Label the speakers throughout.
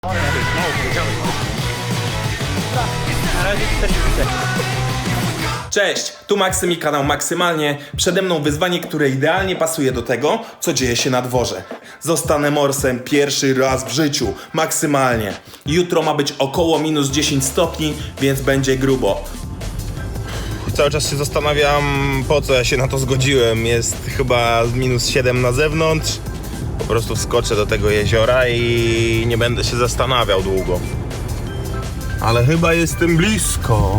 Speaker 1: Cześć, tu Maksym i kanał Maksymalnie. Przede mną wyzwanie, które idealnie pasuje do tego, co dzieje się na dworze. Zostanę morsem pierwszy raz w życiu, maksymalnie. Jutro ma być około minus 10 stopni, więc będzie grubo. Cały czas się zastanawiam, po co ja się na to zgodziłem. Jest chyba minus 7 na zewnątrz. Po prostu wskoczę do tego jeziora i nie będę się zastanawiał długo. Ale chyba jestem blisko.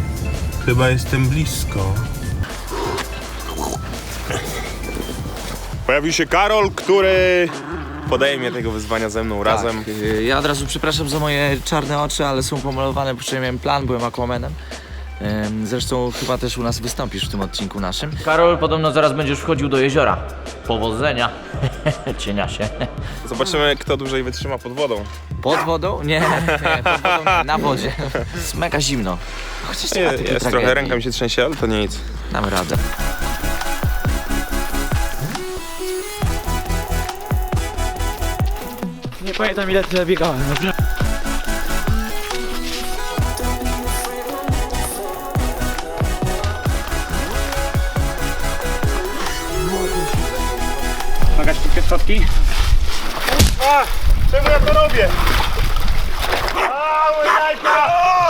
Speaker 1: Pojawił się Karol, który podejmie tego wyzwania ze mną razem.
Speaker 2: Ja od razu przepraszam za moje czarne oczy, ale są pomalowane, bo przecież miałem plan, byłem Aquamanem. Zresztą chyba też u nas wystąpisz w tym odcinku naszym. Karol, podobno zaraz będziesz wchodził do jeziora. Powodzenia. Cienia się.
Speaker 1: Zobaczymy, kto dłużej wytrzyma pod wodą.
Speaker 2: Pod wodą? Nie, pod wodą nie, na wodzie. Jest mega zimno. Chociaż nie ma takiej
Speaker 1: Jest
Speaker 2: tragedii.
Speaker 1: trochę, ręka mi się trzęsie, ale to nic.
Speaker 2: Damy radę.
Speaker 3: Nie pamiętam, ile tyle biegałem. Pomagać szybkie schodki?
Speaker 1: Czemu ja to robię? Jajka!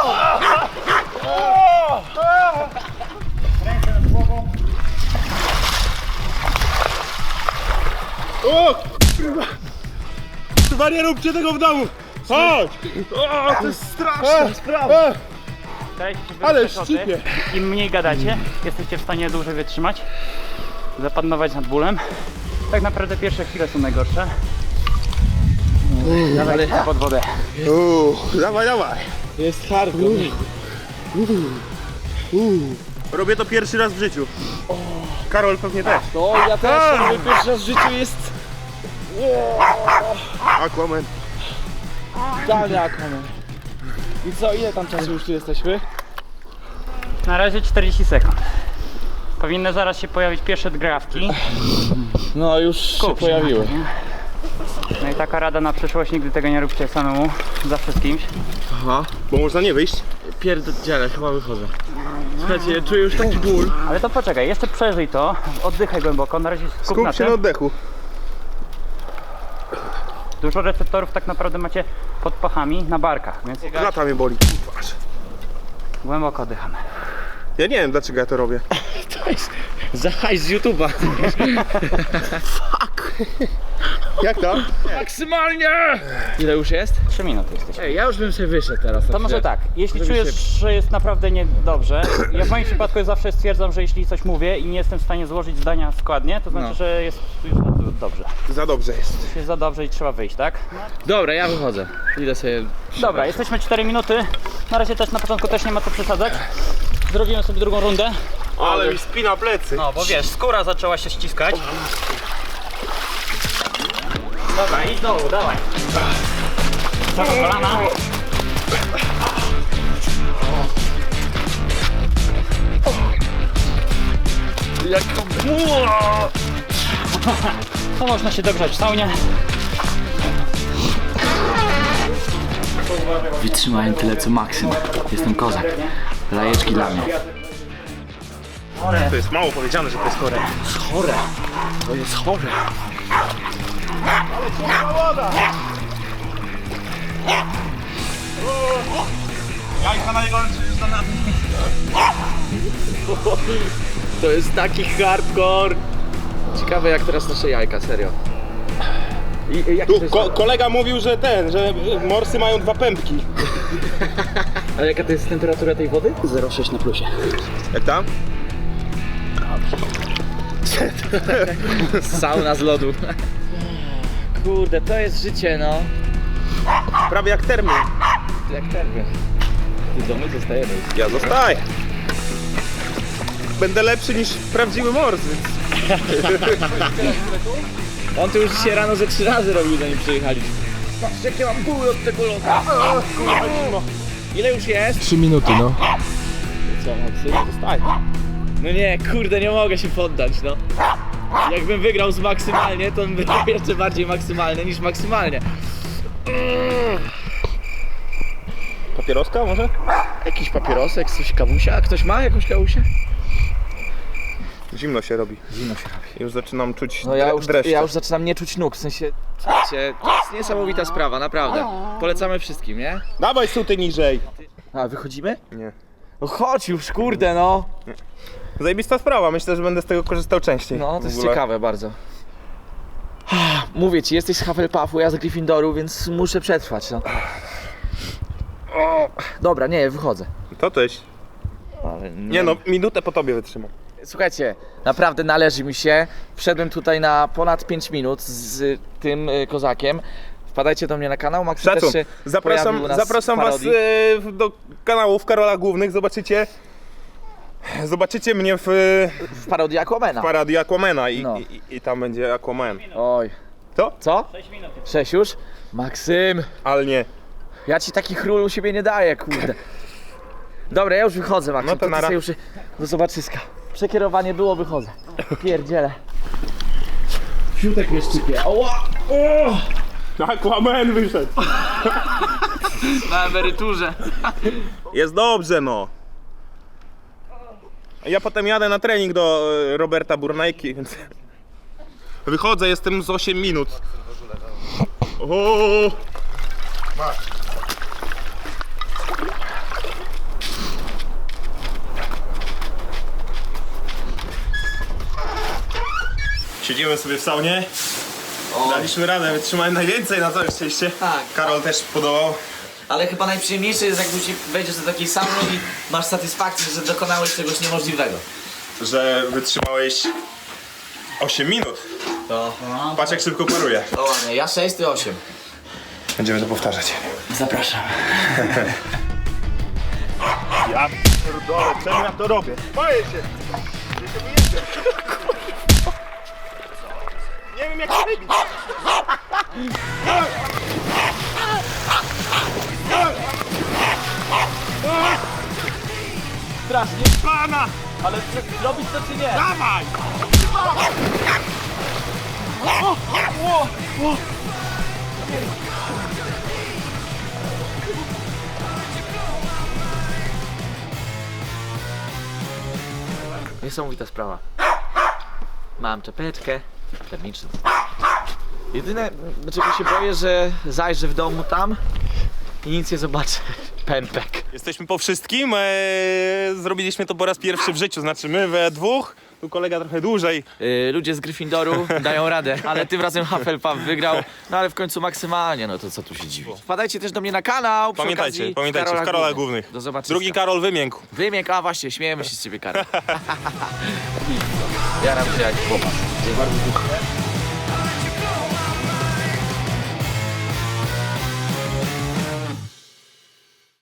Speaker 3: Ręce nad głową.
Speaker 1: Chyba nie róbcie tego w domu! Chodź! To jest straszna sprawa!
Speaker 3: Starajcie się
Speaker 1: Ale
Speaker 3: wyjść przeszody.
Speaker 1: szczypie.
Speaker 3: Im mniej gadacie, jesteście w stanie dłużej wytrzymać, zapanować nad bólem. Tak naprawdę pierwsze chwile są najgorsze. Dawaj pod wodę.
Speaker 1: Dawaj!
Speaker 4: Jest hardcore.
Speaker 1: Robię to pierwszy raz w życiu. Karol pewnie też.
Speaker 4: No ja też mój pierwszy raz w życiu jest
Speaker 1: Aquaman.
Speaker 4: idealnie Aquaman. I co, ile tam czasu już tu jesteśmy?
Speaker 3: Na razie 40 sekund. Powinny zaraz się pojawić pierwsze dgrawki.
Speaker 4: No już się pojawiły.
Speaker 3: No i taka rada na przyszłość, nigdy tego nie róbcie samemu, zawsze z kimś.
Speaker 1: Bo można nie wyjść.
Speaker 4: Pierdziele, chyba wychodzę. Słuchajcie, czuję już taki ból.
Speaker 3: Ale to poczekaj, jeszcze przeżyj to, oddychaj głęboko, na razie skup na
Speaker 1: Skup się
Speaker 3: tym.
Speaker 1: na oddechu.
Speaker 3: Dużo receptorów tak naprawdę macie pod pachami, na barkach, więc
Speaker 1: Klata mnie boli.
Speaker 3: głęboko oddychamy.
Speaker 1: Ja nie wiem, dlaczego ja to robię.
Speaker 4: To jest za hajs z YouTube'a.
Speaker 1: Jak to?
Speaker 4: Maksymalnie! Ile już jest?
Speaker 3: 3 minuty jesteśmy.
Speaker 4: Ej, ja już bym sobie wyszedł teraz.
Speaker 3: To może tak, jeśli
Speaker 4: Żeby
Speaker 3: czujesz, że jest naprawdę niedobrze, ja w moim przypadku zawsze stwierdzam, że jeśli coś mówię i nie jestem w stanie złożyć zdania składnie, to znaczy, że jest już dobrze.
Speaker 1: Za dobrze jest.
Speaker 3: Jest za dobrze i trzeba wyjść, tak?
Speaker 4: Dobra, ja wychodzę. Idę sobie...
Speaker 3: Dobra, jesteśmy 4 minuty. Na razie też na początku też nie ma co przesadzać. Zrobimy sobie drugą rundę.
Speaker 1: Ale mi spina plecy.
Speaker 3: No, bo wiesz, skóra zaczęła się ściskać. Dobra, idź znowu, dawaj. Cała kolana. To można się dogrzać w saunie.
Speaker 2: Wytrzymałem tyle co Maksym. Jestem kozak. Lajeczki dla mnie.
Speaker 1: To jest mało powiedziane, że to jest chore.
Speaker 4: Chore. To jest chore.
Speaker 1: Jajka najgorsze jest na nami.
Speaker 4: To jest taki hardcore. Ciekawe jak teraz nasze jajka, serio. I jak to
Speaker 1: Tu
Speaker 4: jest...
Speaker 1: kolega mówił, że że morsy mają 2 pępki.
Speaker 4: A jaka to jest temperatura tej wody? 0,6 na plusie.
Speaker 1: Jak tam?
Speaker 4: Sauna z lodu. Kurde, to jest życie, no.
Speaker 1: Prawie jak termy.
Speaker 4: Jak termy. Ty w domu zostajemy.
Speaker 1: Ja zostaję. Będę lepszy niż prawdziwy mors, więc...
Speaker 4: On to już dzisiaj rano ze 3 razy robił, zanim przyjechaliśmy. Patrzcie, jakie mam buły od tego lodu. Ile już jest?
Speaker 5: 3 minuty, no.
Speaker 4: Co, Maksym? Zostań. No nie, kurde, nie mogę się poddać, no. Jakbym wygrał z maksymalnie, to bym był jeszcze bardziej maksymalny niż maksymalnie.
Speaker 1: Papieroska może?
Speaker 2: Jakiś papierosek, coś kawusia? Ktoś ma jakąś kawusię?
Speaker 1: Zimno się robi.
Speaker 2: Zimno się robi.
Speaker 1: Już zaczynam czuć
Speaker 2: No
Speaker 1: dreszcze.
Speaker 2: ja już zaczynam nie czuć nóg, w sensie, słuchajcie, to jest niesamowita sprawa, naprawdę. Polecamy wszystkim, nie?
Speaker 1: Dawaj suty niżej.
Speaker 2: A, wychodzimy?
Speaker 1: Nie.
Speaker 2: No chodź już, kurde no.
Speaker 1: Zajebista sprawa, myślę, że będę z tego korzystał częściej.
Speaker 2: No, to jest
Speaker 1: W ogóle.
Speaker 2: ciekawe bardzo. Mówię ci, jesteś z Hufflepuffu, ja z Gryffindoru, więc muszę przetrwać, no. Dobra, nie, wychodzę.
Speaker 1: To też.
Speaker 2: Ale
Speaker 1: Nie no, minutę po tobie wytrzymam.
Speaker 2: Słuchajcie, naprawdę należy mi się. Wszedłem tutaj na ponad 5 minut z tym kozakiem. Wpadajcie do mnie na kanał, Max
Speaker 1: Szacun.
Speaker 2: też się pojawił
Speaker 1: Zapraszam,
Speaker 2: u nas
Speaker 1: zapraszam
Speaker 2: w
Speaker 1: was
Speaker 2: parodii.
Speaker 1: do kanałów Karola Głównych. Zobaczycie mnie w
Speaker 2: W parodii Aquamana.
Speaker 1: parodii Aquamana
Speaker 2: No.
Speaker 1: i tam będzie Aquaman.
Speaker 2: Oj.
Speaker 1: Co?
Speaker 2: Co?
Speaker 3: 6 minut.
Speaker 2: 6 już? Maksym,
Speaker 1: Ale nie.
Speaker 2: ja ci takich ról u siebie nie daję, kurde. Dobra, ja już wychodzę, Maksym.
Speaker 1: No to
Speaker 2: ty
Speaker 1: nara.
Speaker 2: sobie już do zobaczyska. Przekierowanie było, wychodzę. Pierdziele. Fiutek mnie szczypie. Oła!
Speaker 1: Aquaman wyszedł.
Speaker 2: Na emeryturze.
Speaker 1: Jest dobrze, no. Ja potem jadę na trening do Roberta Burnejki, więc wychodzę, jestem z 8 minut. O! Siedzimy sobie w saunie. Daliśmy radę, wytrzymałem najwięcej, na całe szczęście.
Speaker 2: Tak.
Speaker 1: Karol też podobał.
Speaker 2: Ale chyba najprzyjemniejsze jest, jak wejdziesz do takiej sauny i masz satysfakcję, że dokonałeś czegoś niemożliwego.
Speaker 1: Że wytrzymałeś 8 minut.
Speaker 2: To...
Speaker 1: Patrz jak szybko paruje.
Speaker 2: To ładnie, ja 6, ty 8.
Speaker 1: Będziemy to powtarzać.
Speaker 2: Zapraszam.
Speaker 1: Ja pierdolę, czemu ja to robię? Boję się! Ja się wyjeżdżę. Nie wiem jak to wybić.
Speaker 2: Strasznie.
Speaker 1: Pana!
Speaker 2: Ale zrobić to czy nie?
Speaker 1: Dawaj!
Speaker 2: Niesamowita sprawa. Mam czapeczkę termiczną. Jedyne, czego się boję, że zajrzę w domu tam i nic nie zobaczę. Pępek.
Speaker 1: Jesteśmy po wszystkim. Zrobiliśmy to po raz pierwszy w życiu. Znaczy my we dwóch. Tu kolega trochę dłużej.
Speaker 2: Ludzie z Gryffindoru dają radę, ale tym razem Hufflepuff wygrał. No ale w końcu maksymalnie, no to co tu się dziwić. Wpadajcie też do mnie na kanał. Przy okazji
Speaker 1: Pamiętajcie, w Karola Głównych.
Speaker 2: Do zobaczenia.
Speaker 1: Drugi Karol wymiękł.
Speaker 2: Wymięk, a właśnie, śmiejemy się z ciebie, Karol. Ja nam się jak chłopak. Dzień bardzo.